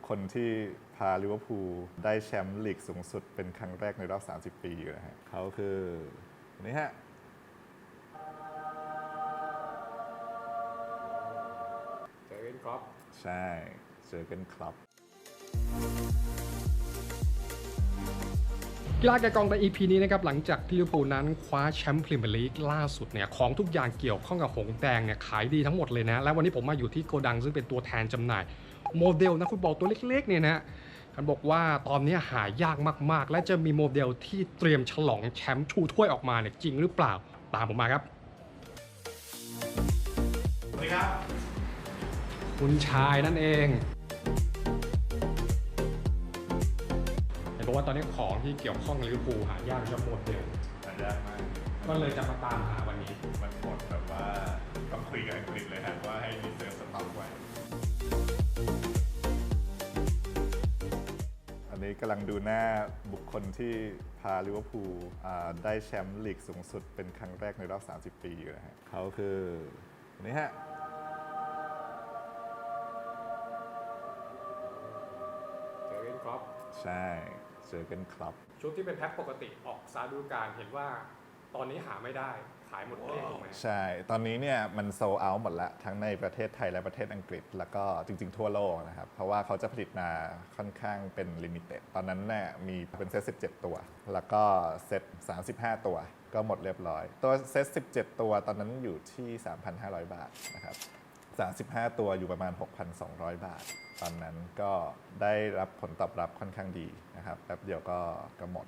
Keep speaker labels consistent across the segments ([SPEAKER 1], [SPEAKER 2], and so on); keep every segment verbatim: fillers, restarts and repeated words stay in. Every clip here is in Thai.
[SPEAKER 1] คลที่พาลิเวอร์พูลได้แชมป์ลีกสูงสุดเป็นครั้งแรกในรอบสามสิบปีนะฮะเขาคือคนนี้ฮะ
[SPEAKER 2] เจอร์เกนคล็อป
[SPEAKER 1] ใช่เจอร์เกนคล็อป
[SPEAKER 2] กีฬาแกะกล่องใน อี พี นี้นะครับหลังจากที่ลิเวอร์พูลนั้นคว้าแชมป์พรีเมียร์ลีกล่าสุดเนี่ยของทุกอย่างเกี่ยวข้องกับหงส์แดงเนี่ยขายดีทั้งหมดเลยนะและวันนี้ผมมาอยู่ที่โกดังซึ่งเป็นตัวแทนจำหน่ายโมเดลนักฟุตบอลตัวเล็กๆเนี่ยนะท่านบอกว่าตอนนี้หายากมากๆและจะมีโมเดลที่เตรียมฉลองแชมป์ชูถ้วยออกมาเนี่ยจริงหรือเปล่าตามผมมาครับ
[SPEAKER 1] สวัสดีครับ
[SPEAKER 2] คุณชายนั่นเองเพราะว่าตอนนี้ของที่เกี่ยวข้องลิเวอร์พูลหายากจะหมดเดียว
[SPEAKER 1] หายากมาก
[SPEAKER 2] ก็เลยจะมาตามหาวันนี้
[SPEAKER 1] มันหมดแบบว่าต้องคุยกับอังกฤษเลยครับว่าให้รีเซิร์ฟสต็อกไว้อันนี้กำลังดูหน้าบุคคลที่พาลิเวอร์พูลได้แชมป์ลีกสูงสุดเป็นครั้งแรกในรอบสามสิบปีอยู่นะฮะเขาคือคนนี้ฮะ
[SPEAKER 2] เจอร์เกนคล็อป
[SPEAKER 1] ใช่เจอร์เกนคล็อป
[SPEAKER 2] ชุดที่เป็นแพ็คปกติออกซาดูการเห็นว่าตอนนี้หาไม่ได้ขายหมดเกลี้ยงถูกไหม
[SPEAKER 1] ใช่ตอนนี้เนี่ยมันโซลเอาท์หมดแล้วทั้งในประเทศไทยและประเทศอังกฤษแล้วก็จริงๆทั่วโลกนะครับเพราะว่าเขาจะผลิตมาค่อนข้างเป็นลิมิเต็ดตอนนั้นเนี่ยมีเป็นเซตสิบเจ็ดตัวแล้วก็เซตสามสิบห้าตัวก็หมดเรียบร้อยตัวเซตสิบเจ็ดตัวตอนนั้นอยู่ที่ สามพันห้าร้อย บาทนะครับสามสิบห้าตัวอยู่ประมาณ หกพันสองร้อย บาทตอนนั้นก็ได้รับผลตอบรับค่อนข้างดีนะครับแป๊บเดียวก็ก็หมด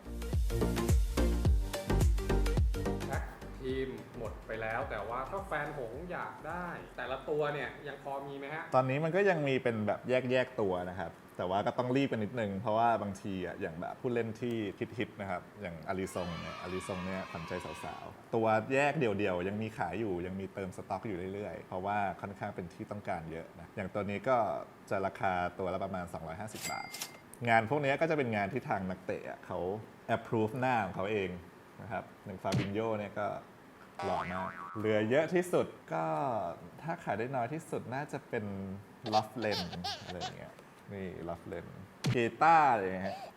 [SPEAKER 2] แพ็คทีมหมดไปแล้วแต่ว่าถ้าแฟนหงอยากได้แต่ละตัวเนี่ยยังพอมีไหมฮะ
[SPEAKER 1] ตอนนี้มันก็ยังมีเป็นแบบแยกๆตัวนะครับแต่ว่าก็ต้องรีบกันนิดนึงเพราะว่าบางทีอ่ะอย่างแบบผู้เล่นที่ฮิตๆนะครับอย่างอาริซงเนี่ยอาริซงเนี่ยขวัญใจสาวๆตัวแยกเดี่ยวๆยังมีขายอยู่ยังมีเติมสต็อกอยู่เรื่อยๆเพราะว่าค่อนข้างเป็นที่ต้องการเยอะนะอย่างตัวนี้ก็จะราคาตัวละประมาณสองร้อยห้าสิบบาทงานพวกนี้ก็จะเป็นงานที่ทางนักเตะเขา approve หน้าของเขาเองนะครับอย่างฟาบินโญ่เนี่ยก็หล่อมากเหลือเยอะที่สุดก็ถ้าขายได้น้อยที่สุดน่าจะเป็นลอฟเลนอะไรอย่างเงี้ยนี่ลอฟเลนเกต้าอะไรฮะ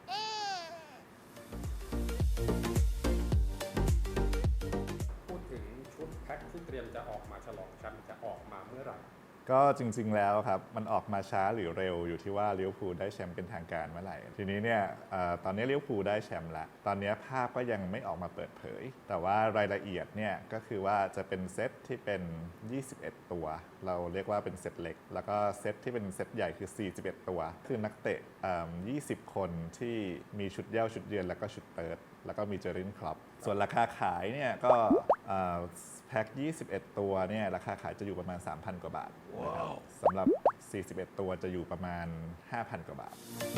[SPEAKER 2] พูดถึงชุดแพ็คที่เตรียมจะออกมาฉลองแชมป์จะออกมาเมื่อไหร่
[SPEAKER 1] ก็จริงๆแล้วครับมันออกมาช้าหรือเร็วอยู่ที่ว่าลิเวอร์พูลได้แชมป์เป็นทางการเมื่อไหร่ทีนี้เนี่ยตอนนี้ลิเวอร์พูลได้แชมป์แล้วตอนนี้ภาพก็ยังไม่ออกมาเปิดเผยแต่ว่ารายละเอียดเนี่ยก็คือว่าจะเป็นเซตที่เป็นยี่สิบเอ็ดตัวเราเรียกว่าเป็นเซตเล็กแล้วก็เซตที่เป็นเซตใหญ่คือสี่สิบเอ็ดตัวคือนักเตะยี่สิบคนที่มีชุดเย้าชุดเยือนแล้วก็ชุดเปิดแล้วก็มีเจอร์เกนคล็อปส่วนราคาขายเนี่ยก็แพ็คยี่สิบเอ็ดตัวเนี่ยราคาขายจะอยู่ประมาณ สามพัน กว่าบาท wow. สำหรับสี่สิบเอ็ดตัวจะอยู่ประมาณ ห้าพัน กว่าบาท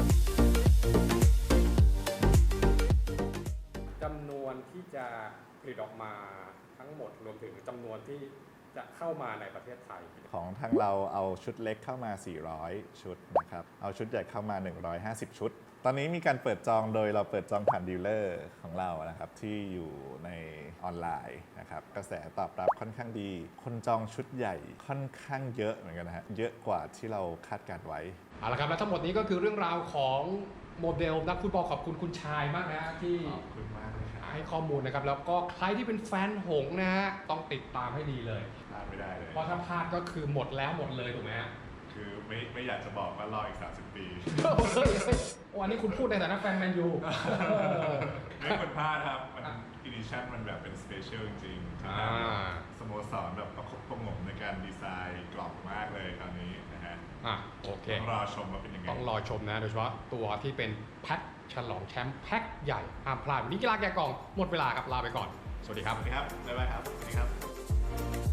[SPEAKER 2] จำนวนที่จะผลิตออกมาทั้งหมดรวมถึงจำนวนที่จะเข้ามาในประเทศไทย
[SPEAKER 1] ของทางเราเอาชุดเล็กเข้ามาสี่ร้อยชุดนะครับเอาชุดใหญ่เข้ามาหนึ่งร้อยห้าสิบชุดตอนนี้มีการเปิดจองโดยเราเปิดจองผ่านดีลเลอร์ของเรานะครับที่อยู่ในออนไลน์นะครับกระแสตอบรับค่อนข้างดีคนจองชุดใหญ่ค่อนข้างเยอะเหมือนกันนะฮะเยอะกว่าที่เราคาดการไว้
[SPEAKER 2] เอาละครับและทั้งหมดนี้ก็คือเรื่องราวของโมเดลนักฟุตบอลขอบคุณคุณชายมากนะที่
[SPEAKER 1] ขอบคุณมากเลยครับ
[SPEAKER 2] ให้ข้อมูลนะครับแล้วก็ใครที่เป็นแฟนหงส์นะฮะต้องติดตามให้ดีเลย
[SPEAKER 1] พลาดไม่ได้เลย
[SPEAKER 2] เพราะถ้าพลาดก็คือหมดแล้วหมดเลยถูกไหมฮะ
[SPEAKER 1] คือไม่ไม่อยากจะบอกว่ารออีกสามสิบปี
[SPEAKER 2] วันนี้คุณพูดในฐานะแฟนแมนยู
[SPEAKER 1] ไม่ควรพลาดครับมันอินิชั่นมันแบบเป็นสเปเชียลจริงๆที่ทางสโมสรแบบประคบประงมในการดีไซน์กล่องมากเลยคราวนี้นะฮะ
[SPEAKER 2] อ่ะโอเค
[SPEAKER 1] ต้องรอชมว่าเป็นยังไง
[SPEAKER 2] ต้องรอชมนะโดยเฉพาะตัวที่เป็นแพ็คฉลองแชมป์แพ็คใหญ่ห้ามพลาดวันนี้กีฬาแกะกล่องหมดเวลาครับลาไปก่อนสวัสดีครับ
[SPEAKER 1] สวัสดีครับบ๊ายบายครับสวัสดีครับ